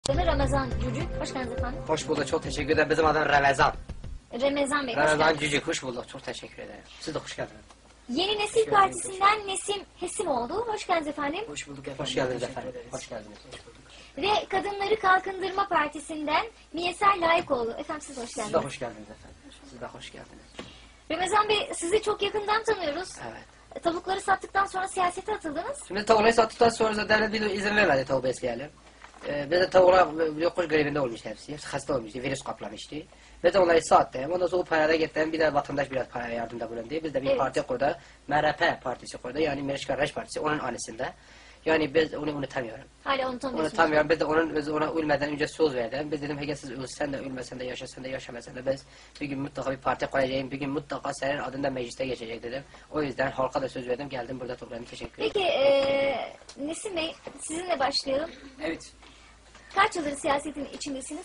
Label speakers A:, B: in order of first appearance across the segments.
A: Ramazan Cücük, hoş geldiniz efendim.
B: Hoş bulduk, çok teşekkür ederim. Bizim adım Ramazan.
A: Ramazan Bey, hoş
B: Ramazan
A: geldiniz.
B: Cücük, hoş bulduk. Çok teşekkür ederim. Siz de hoş geldiniz.
A: Yeni Nesil Partisi'nden Nesim Hesimoğlu, hoş geldiniz efendim.
C: Hoş bulduk efendim.
B: Hoş geldiniz
C: Teşekkür
B: efendim.
C: ederiz.
B: Hoş geldiniz.
A: Ve Kadınları Kalkındırma Partisi'nden Miyeser Layıkoğlu. Efendim siz hoş
B: Siz de
A: geldiniz.
B: hoş geldiniz efendim. Siz de hoş geldiniz.
A: Ramazan Bey, sizi çok yakından tanıyoruz.
B: Evet.
A: Tavukları sattıktan sonra siyasete atıldınız.
B: Şimdi tavukları sattıktan sonra da devlet bir izin vermedi tavuğu besleyelim. Biz de tavuklar yokuş grevinde olmuş hepsi. Hepsi hasta olmuştu, virüs kaplamıştı. Biz de onları sattık. Ondan sonra o parada gittim. Bir de vatandaş biraz paraya yardımda bulundu. Biz de bir
A: Evet.
B: parti kurdu. MRP partisi kurdu. Yani Meriç Kardeş Partisi. Onun anısında. Yani biz onu unutamıyorum.
A: Hala unutamıyorsunuz.
B: Unutamıyorum. Biz ona ölmeden önce söz verdim. Biz dedim Hege siz ölsen de ölmesen de yaşasan da yaşamasan da biz bir gün mutlaka bir parti koyacağım. Bir gün mutlaka senin adında mecliste geçecek dedim. O yüzden halka da söz verdim. Geldim burada toplandım. Teşekkür ederim.
A: Peki Nesim Bey, sizinle başlayalım.
C: Evet.
A: Kaç yıldır siyasetin içindesiniz?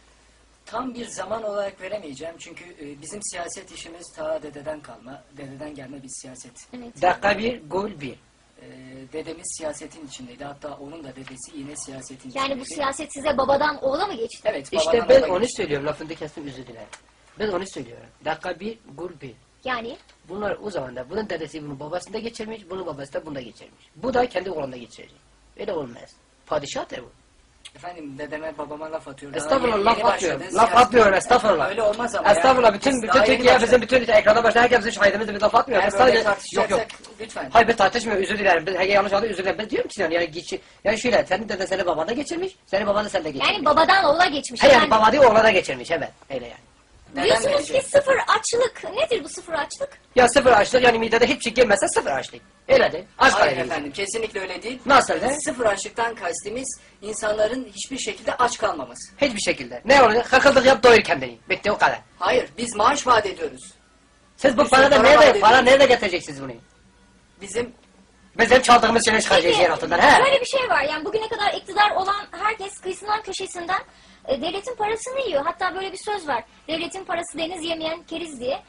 C: Tam bir zaman olarak veremeyeceğim çünkü bizim siyaset işimiz ta dededen kalma, dededen gelme bir siyaset.
A: Evet.
B: Dakika bir, gol bir.
C: Dedemiz siyasetin içindeydi. Hatta onun da dedesi yine siyasetin
A: Yani
C: içindeydi.
A: bu siyaset size babadan oğula mı geçti?
C: Evet.
B: İşte
C: babadan
B: ben
C: oğula
B: onu
C: geçti.
B: söylüyorum. Lafını kestim, özür dilerim. Ben onu söylüyorum. Dakika bir, gol bir.
A: Yani
B: Bunlar o zaman da bunun dedesi bunun babasında geçirmiş, bunun babası da bunda geçirmiş. Bu da kendi oğlunda geçirecek. Öyle olmaz. Padişahtır bu.
C: Efendim dedeme babama laf atıyor. Daha
B: Estağfurullah,
C: yeni
B: laf
C: başladı.
B: atmıyorum. Laf
C: Siyaset-
B: atmıyorum, estağfurullah.
C: Öyle olmaz ama
B: Estağfurullah,
C: yani.
B: bütün
C: Biz daha yeni
B: Türkiye
C: başladık.
B: bizim bütün ekrana başına herkes bizim şahidimiz biz laf atmıyor.
C: Eğer
B: Biz
C: böyle
B: sadece yok yok.
C: tartışacaksak lütfen.
B: Hayır ben tartışmıyorum, özür dilerim. Ben yanlış anladım, özür dilerim. Ben diyorum ki yani şöyle senin deden seni babanda geçirmiş, senin baban da sende geçirmiş.
A: yani babadan oğula geçmiş.
B: Hayır yani
A: Yani
B: baba değil oğlana geçirmiş, evet. Öyle yani.
C: Neden
A: diyorsunuz ki
C: verecek?
A: sıfır açlık. Nedir bu sıfır açlık?
B: Ya sıfır açlık yani midede hiçbir şey girmezse sıfır açlık. Öyle değil. Aç
C: Hayır
B: kalori.
C: efendim kesinlikle öyle değil.
B: Nasıl öyle?
C: Sıfır açlıktan kastimiz insanların hiçbir şekilde aç kalmaması.
B: Hiçbir şekilde. Ne olacak? Kakıldık yap doyur kendini. Bitti o kadar.
C: Hayır biz maaş vaat ediyoruz.
B: Siz bu
C: Bir
B: parada
C: sürü para vaat
B: nerede, para
C: ediyoruz.
B: nerede getireceksiniz bunu?
C: Bizim
B: Bizim çaldığımız şeyleri çıkaracağız yer altından. He?
A: Şöyle bir şey var. Yani bugüne kadar iktidar olan herkes kıyısından köşesinden devletin parasını yiyor. Hatta böyle bir söz var. Devletin parası deniz yemeyen keriz diye.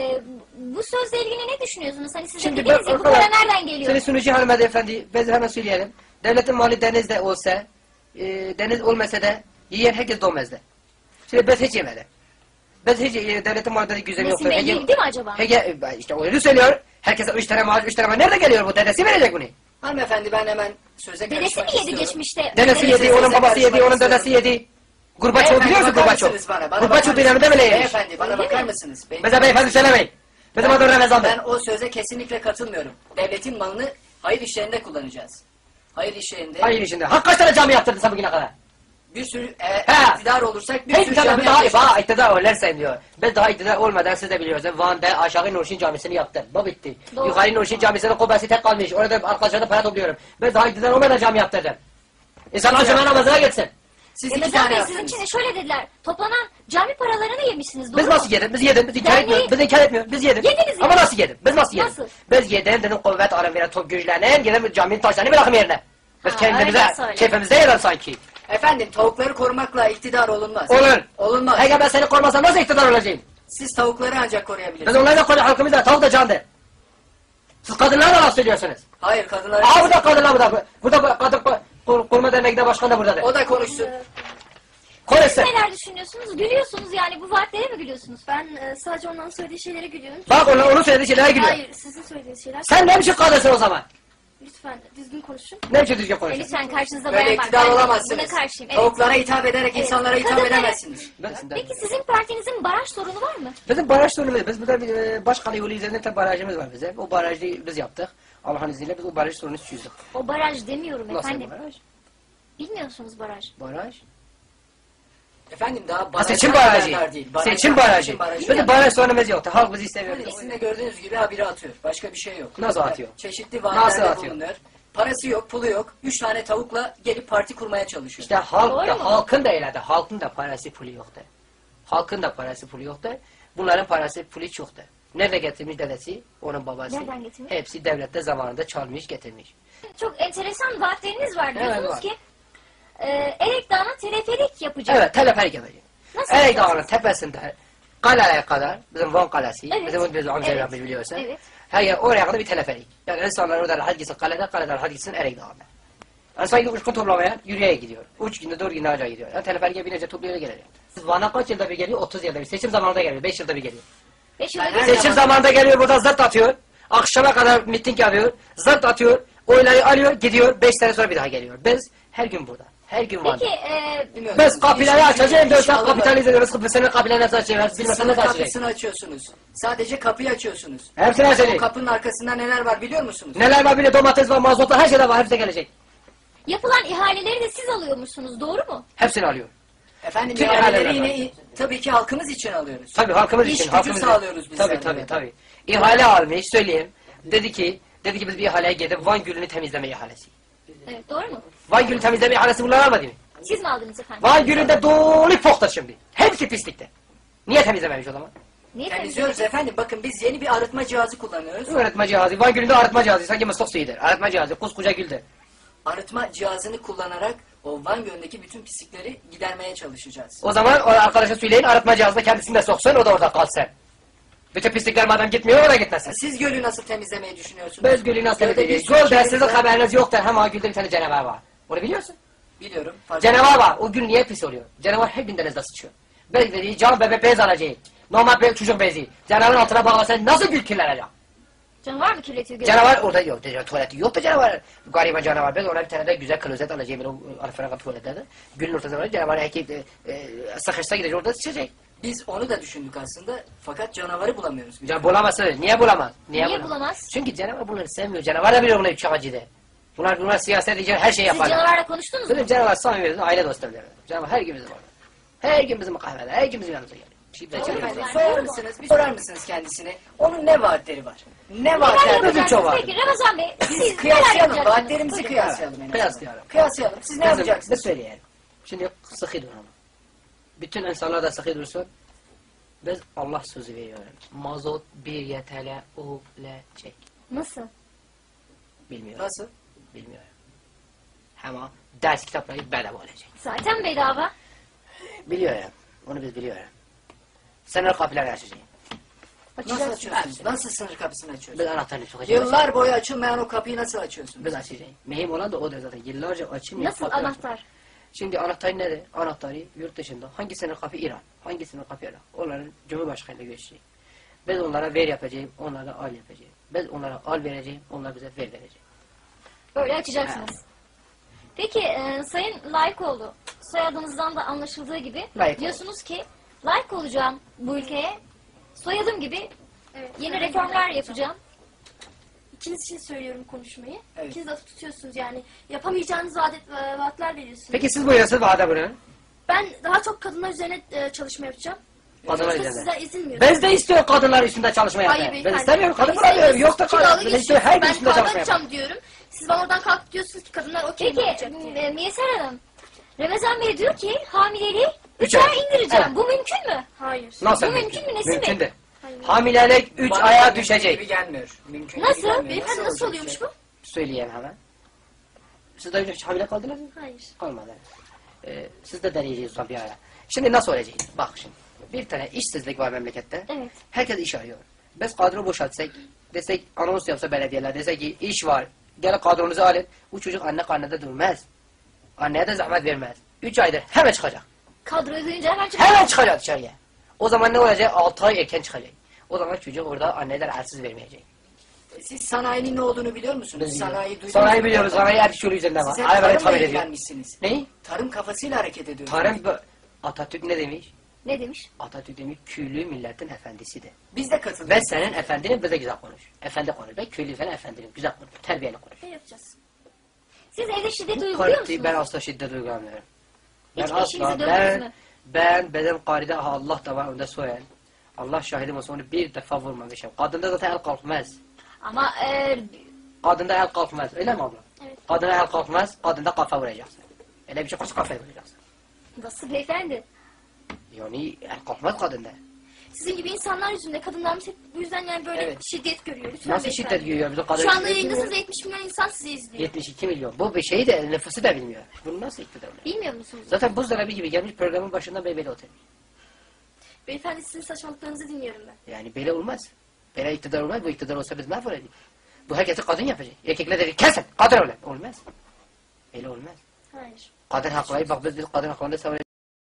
A: Bu sözle ilgili ne düşünüyorsunuz? Hani siz de
B: Şimdi
A: dediniz
B: ben
A: ya bu para nereden geliyor?
B: Seni sunucu hanımefendi, biz hemen söyleyelim. Devletin mali denizde olsa, deniz olmasa da yiyen herkes doymazdı. Şimdi biz hiç yemedik. Biz hiç devletin mali denizde güzel
A: Nesim
B: yoktur.
A: Bey yedi mi acaba?
B: İşte öyle söylüyor. Herkese 3 tane maaş, 3 tane maaş. Nerede geliyor bu? Dedesi verecek bunu.
C: hanımefendi ben hemen söze
A: Dedesi
C: karışmak
A: mi yedi
C: istiyorum.
A: geçmişte?
B: Dedesi
A: Dedesi-
B: yedi, onun
C: size
B: babası yedi,
C: karışmak
B: onun dedesi yedi. Gurbaçov
C: Beyefendi,
B: biliyor musun
C: bakar
B: Gurbaçov?
C: mısınız bana? Bana
B: Gurbaçov
C: bakar
B: döneminde
C: mısınız?
B: bile yemiş.
C: Beyefendi bana
A: Öyle
C: bakar
A: mi?
C: mısınız?
B: Bize beyefendi söylemeyin. Bizim adım Ramazan Bey.
C: Ben o söze kesinlikle katılmıyorum. Devletin malını hayır işlerinde kullanacağız. Hayır işlerinde
B: Hayır işinde. Ha kaç tane cami yaptırdın sen bugüne kadar?
C: bir sürü
B: Ha.
C: iktidar olursak bir
B: Hiç
C: sürü
B: tabii
C: cami
B: biz daha
C: yapacağız.
B: iktidar olursan diyor. Biz daha iktidar olmadan siz de biliyorsunuz. Van'da aşağı Nurşin Camisi'ni yaptım. Bu bitti.
A: Doğru.
B: Yukarı Nurşin Camisi'nin kubbesi tek kalmış. Orada arkadaşlarına para topluyorum. Ben daha iktidar olmadan cami yaptırdım. İnsanlar cuma namazına gitsin.
C: Siz iki
A: Ramazan
C: tane
A: Bey sizin
C: yaptınız.
A: için de şöyle dediler. Toplanan cami paralarını yemişsiniz. Doğru
B: Biz
A: mu?
B: nasıl yedik? Biz yedik. Biz inkar
A: Yani-
B: etmiyoruz. Biz inkar etmiyoruz. Biz yedik.
A: Yediniz
B: Ama
A: yani.
B: nasıl yedik? Biz nasıl yedik?
A: Nasıl?
B: Biz yedim dedim kuvvet arım veren top güçlenin. Yedim caminin taşlarını bırakım yerine. Biz
A: Ha,
B: kendimize,
A: öyle söyle.
B: keyfimizde yedim sanki.
C: Efendim tavukları korumakla iktidar olunmaz.
B: Olur.
C: Olunmaz.
B: Eğer ben seni korumasam nasıl iktidar olacağım?
C: Siz tavukları ancak
B: Biz
C: koruyabilirsiniz.
B: onlarla koru halkımız da tavuk da candır. Siz kadınlara da laf söylüyorsunuz.
C: Hayır kadınlar.
B: Aa burada kadınlar burada. Burada kadın koruma derneğinde başkan da buradadır.
C: O da konuşsun.
B: Konuşsun.
A: Neler düşünüyorsunuz? Gülüyorsunuz yani bu vaatlere mi gülüyorsunuz?
D: Ben sadece onların söylediği şeylere gülüyorum.
B: Bak onun söylediği şeylere gülüyor.
D: Hayır, sizin söylediğiniz şeyler.
B: Sen ne biçim kadınsın o zaman?
D: Lütfen düzgün konuşun.
B: Ne biçim düzgün konuşuyorsun?
A: Lütfen karşınızda
C: Böyle
A: bayan var.
C: iktidar
A: Ben
C: olamazsınız.
A: Buna karşıyım. Evet.
C: Tavuklara hitap ederek
A: Evet.
C: insanlara hitap
A: Kadınlara-
C: edemezsiniz.
A: Peki sizin partinizin baraj sorunu var mı?
B: Bizim baraj sorunumuz, biz burada bir Başkale yolu üzerinde bir barajımız var bizim. O barajı biz yaptık. Allah'ın izniyle biz o baraj sorununu çözdük.
A: O baraj demiyorum
B: Nasıl
A: efendim.
B: baraj?
A: Bilmiyorsunuz baraj.
B: Baraj?
C: Efendim daha
B: Ha,
C: barajlar
B: seçim
C: kadar
B: barajı.
C: dar değil.
B: Seçim barajı. Bizim baraj sorunumuz yoktu. Halk bizi istemiyor.
C: Yani sizin de gördüğünüz gibi habire atıyor. Başka bir şey yok.
B: Nasıl atıyor?
C: Çeşitli
B: Nasıl
C: vaatlerde
B: atıyor?
C: bulunuyor. Parası yok, pulu yok. 3 tane tavukla gelip parti kurmaya çalışıyor.
B: İşte halk
A: Doğru
B: da,
A: mu?
B: halkın da öyle de. Halkın da parası pulu yoktu. Halkın da parası pulu yoktu. Bunların parası pulu çoktu. Nerede getirmiş dedesi? Onun babası.
A: Nereden getirmiş?
B: Hepsi devlette zamanında çalmış getirmiş.
A: Çok enteresan vaatleriniz var.
B: Evet,
A: Diyorsunuz
B: var.
A: ki Erek Dağı'na teleferik yapacak.
B: Evet, teleferik yapacak.
A: Nasıl
B: Erek
A: yapacaksınız?
B: Dağı'nın tepesinde kaleye kadar, bizim Van Kalesi,
A: Evet.
B: bizim amca
A: Evet.
B: yapmış biliyorsun.
A: Evet.
B: Her yer oraya kadar bir teleferik. Yani insanlar orada rahat gitsin kaleden rahat gitsin Erek Dağı'na. Yani sanki uçkun toplamaya yürüyeye gidiyor. 3 günde 4 günde ancak gidiyor. Yani teleferike binince topluyor gelecek. Siz Van'a kaç yılda bir geliyor? 30 yılda bir. Seçim zamanında geliyor. 5 yılda bir geliyor.
A: 5 yılda
C: Ben
A: bir
C: her
B: Seçim zamanında geliyor burada zırt atıyor. Akşama kadar miting yapıyor. Zırt atıyor. Oyları alıyor gidiyor. 5 sene sonra bir daha geliyor. biz her gün burada. Her gün Van'da.
A: Peki
C: Bilmiyorum.
B: Biz kapıları açacağız. 4 saat
C: İnşallah.
B: kapitalize ediyoruz. Senin kapılarını nasıl açacağız? Bilmesen
C: Sınır
B: nasıl açacağız?
C: kapısını açıyorsunuz. Sadece kapıyı açıyorsunuz.
B: Hepsini
C: O
B: açacağız.
C: kapının arkasında neler var biliyor musunuz?
B: Neler var bile domates var, mazot var, her şey de var. Hepsi gelecek.
A: yapılan ihaleleri de siz alıyormuşsunuz, doğru mu?
B: Hepsini alıyor.
C: Efendim
B: Tüm
C: ihaleleri
B: ihaleler
C: yine tabii ki halkımız için alıyoruz.
B: Tabii halkımız
C: İş
B: için.
C: gücü
B: Halkımız
C: sağlıyoruz biz
B: Tabii
C: zaten.
B: tabii tabii. İhale almış söyleyeyim. Dedi ki biz bir ihaleye gidip Van Gölü'nü temizleme ihalesi.
A: Evet, doğru mu?
B: Van Gölü temizleme ihalesi bunlar almadı mı?
A: Siz mi aldınız efendim?
B: Van Gölü'nde dolu foktur şimdi. Hepsi pislikte. Niye temizlememiş o zaman?
A: Niye
C: Temizliyoruz efendim. Bakın biz yeni bir arıtma cihazı kullanıyoruz.
B: Arıtma cihazı. Van Gölü'nde arıtma cihazı. Sanki mıslık suyudur. Arıtma cihazı. Koskoca güldür.
C: Arıtma cihazını kullanarak o Van Gölü'ndeki bütün pislikleri gidermeye çalışacağız.
B: O zaman o arkadaşa söyleyin arıtma cihazına kendisini de soksun o da orada kalsın. Bütün pislikler madem gitmiyor o da gitmesin.
C: Siz gölü nasıl temizlemeyi düşünüyorsunuz?
B: Biz Gölü nasıl
C: Gölde
B: temizleyeceğiz?
C: bir sürü
B: Gölde
C: şeyimiz
B: sizin
C: var.
B: haberiniz yoktur. Hem Göl'de bir tane canavar var. Onu biliyorsun.
C: Biliyorum. fark
B: Canavar var. O gün niye pis oluyor? Canavar her gün denizde sıçıyor. Bez dediği can bebek bez alacak. Normal bir çocuk bezi. Canavarın altına bağlasan nasıl gül kirlenecek?
A: Canavar mı kirletiyor gözü?
B: Canavar orada yok. Tuvaleti yok da canavar. Gariban canavar. Ben ona bir tane de güzel klozet alacağım. O Alfred'in tuvaletlerde. Gülün ortasında var. Canavar sıkışsa gidecek orada sıçacak.
C: Biz onu da düşündük aslında. Fakat canavarı bulamıyoruz. biz.
B: Can bulamazsın. Niye bulamaz?
A: Niye bulamaz?
B: Çünkü canavar bunları sevmiyor. Canavar da biliyor bunları çakacıydı. Bunlar siyaset için her şeyi
A: Siz
B: yaparlar.
A: canavarla konuştunuz mu?
B: Bizim canavar samimi aile dostu bile. Canavar her gün bizim orada. Her gün bizim kahvede. Her gün bizim yanımıza geliyor. Şimdi
A: Doğru
B: çekiyoruz.
A: efendim.
C: Sorar mısınız? Bir sorar mısınız kendisine? Onun ne vaatleri var? Ne
A: Neler
C: vaatler var?
A: yapacaksınız
B: çok var.
A: peki Ramazan Bey? Siz
C: Biz
A: neler
C: kıyaslayalım.
A: yapacaksınız?
C: Vaatlerimizi
A: Buyurun.
C: kıyaslayalım en azından.
B: Kıyaslayalım.
C: Kıyaslayalım. Siz ne
B: Kızım,
C: yapacaksınız?
B: bir söyleyelim. Şimdi sıkı durun. Bütün insanlar da sıkı dursun. Biz Allah sözü veriyorum. Mazot 1 YTL olacak.
A: Nasıl?
B: Bilmiyorum.
C: Nasıl?
B: Bilmiyorum. Ama ders kitapları bedava olacak.
A: Zaten bedava.
B: Biliyorum. Onu biz biliyorum. Sınır kapıları açacağız.
C: Nasıl
A: Açacağız.
C: açıyorsunuz? Nasıl sınır kapısını açıyorsunuz?
B: Biz anahtarını sokacağız.
C: Yıllar boyu açılmayan o kapıyı nasıl açıyorsunuz?
B: Biz açacağız. Mühim olan da odur zaten. Yıllarca açılmıyor.
A: Nasıl
B: kapılar
A: anahtar?
B: Şimdi anahtar nedir? Anahtarı yurt dışında. Hangi sınır kapı İran? Hangi sınır kapı Irak? Onların Cumhurbaşkanı'yla görüşecek. Biz onlara ver yapacağım, onlara al yapacağım. Biz onlara al vereceğim, onlar bize ver verecek.
A: Böyle açacaksınız. Peki Sayın Layıkoğlu, soyadınızdan da anlaşıldığı gibi
B: Layık
A: diyorsunuz ki layık olacağım bu ülkeye, soyadım gibi
D: Evet.
A: yeni reformlar yapacağım.
D: İkiniz için söylüyorum konuşmayı.
C: Evet.
D: İkiniz de tutuyorsunuz yani. Yapamayacağınız vaatler veriyorsunuz.
B: Peki siz buyurasınız vade bunu.
D: Ben daha çok kadınlar üzerine çalışma yapacağım.
B: Kadınlar
D: Sonuçta
B: üzerine.
D: sizden izin veriyorum.
B: Biz de istiyor kadınlar üstünde çalışma
D: Hayır
B: yapmayı. Ben
D: beyefendi.
B: istemiyorum, kadın
D: Hayır,
B: bulamıyorum. Yok da
D: siz dalga
B: kadın. Ben istiyor her gün
D: geçiyorsunuz.
B: üstünde
D: Ben
B: çalışma
D: kavga
B: yapmayı.
D: edeceğim diyorum. Siz bana oradan kalkıp diyorsunuz ki kadınlar okey mi
A: Peki
D: olacak diye.
A: Miyeser Hanım, Ramazan Bey diyor ki hamileliği
B: Üç
A: 3
B: ay.
A: ay indireceğim.
B: Evet.
A: Bu mümkün mü?
D: Hayır.
B: Nasıl
A: Bu mümkün mü Nesin Bey?
B: Mümkün de.
D: Hayır.
B: Hamilelik 3
C: Bana
B: aya
C: mümkün
B: düşecek.
C: gibi gelmiyor. Mümkün
A: Nasıl?
C: gibi gelmiyor.
D: Beyefendi nasıl
C: olacak
D: oluyormuş
C: şey?
D: bu?
B: Söyleyeyim hemen. Siz de önce hiç hamile kaldınız mı?
D: Hayır.
B: Kalmadı. Siz de deneyeceğiz son bir ara. Şimdi nasıl olacak? Bak şimdi. Bir tane işsizlik var memlekette.
A: Evet.
B: Herkes iş arıyor. Biz kadro boşaltsak, desek anons yapsa belediyeler, desek ki iş var, gelin kadronuzu alın. Bu çocuk anne karnında durmaz. Anneye de zahmet vermez. 3 aydır hemen çıkacak.
A: Kadroyu duyunca hemen çıkıyor.
B: Hemen çıkacak dışarıya. O zaman ne olacak? 6 ay erken çıkacak. O zaman çocuk orada anneler elsiz vermeyecek.
C: Siz sanayinin ne olduğunu biliyor musunuz?
B: Biz
C: Sanayi duydunuz
B: Sanayi
C: mu?
B: biliyoruz. Sanayi her şey üzerinde var.
C: Siz hep
B: Arabayı
C: tarımla
B: tamir ediyor.
C: ilgilenmişsiniz.
B: Ne?
C: Tarım kafasıyla hareket ediyorsunuz.
B: Tarım Atatürk ne demiş?
A: Ne demiş?
B: Atatürk demiş köylü milletin efendisidir.
C: Biz de katıldık.
B: Ben senin efendinin bize güzel konuş. Efendi konuş. Ben köylü falan efendinim. Güzel konuş. Terbiyeli konuş.
D: Ne yapacağız?
A: Siz evde şiddet
B: Bu
A: uyguluyor
B: kartı
A: musunuz?
B: ben asla şiddet uygulamıyorum. Ben
A: Hiç
B: asla
A: eşinizi dövdünüz mü?
B: ben benim karide Allah da var onda soyan. Allah şahidim olsun onu bir defa vurmamışım. Kadında zaten el kalkmaz.
A: Ama
B: Kadında el kalkmaz. Öyle mi abla?
D: Evet.
B: Kadına el kalkmaz. Kadında kafa vuracaksın. Öyle bir şey kaç kafaya vuracaksın.
A: nasıl beyefendi?
B: Yani el kalkmaz kadında.
D: Sizin gibi insanlar yüzünden kadınlarımız hep bu yüzden yani böyle
B: Evet.
D: şiddet görüyor. Lütfen
B: Nasıl
D: beyefendi.
B: şiddet görüyor bizim kadın?
D: Şu anda yayındasınız 70 milyon insan sizi izliyor.
B: 72 milyon. Bu bir şeyi de nüfusu da bilmiyor. Bunu nasıl iktidar oluyor?
A: Bilmiyor musunuz?
B: Zaten buzdolabı gibi gelmiş programın başında böyle oturuyor.
D: Beyefendi sizin saçmalıklarınızı dinliyorum ben.
B: Yani böyle olmaz. Böyle iktidar olmaz. Bu iktidar olsa biz mahvolacağız. Bu herkesi kadın yapacak. Erkekler dedi kesin kadın olun. Olmaz. Öyle olmaz.
D: Hayır.
B: Kadın hakları, bak biz kadın haklarında savunuyoruz.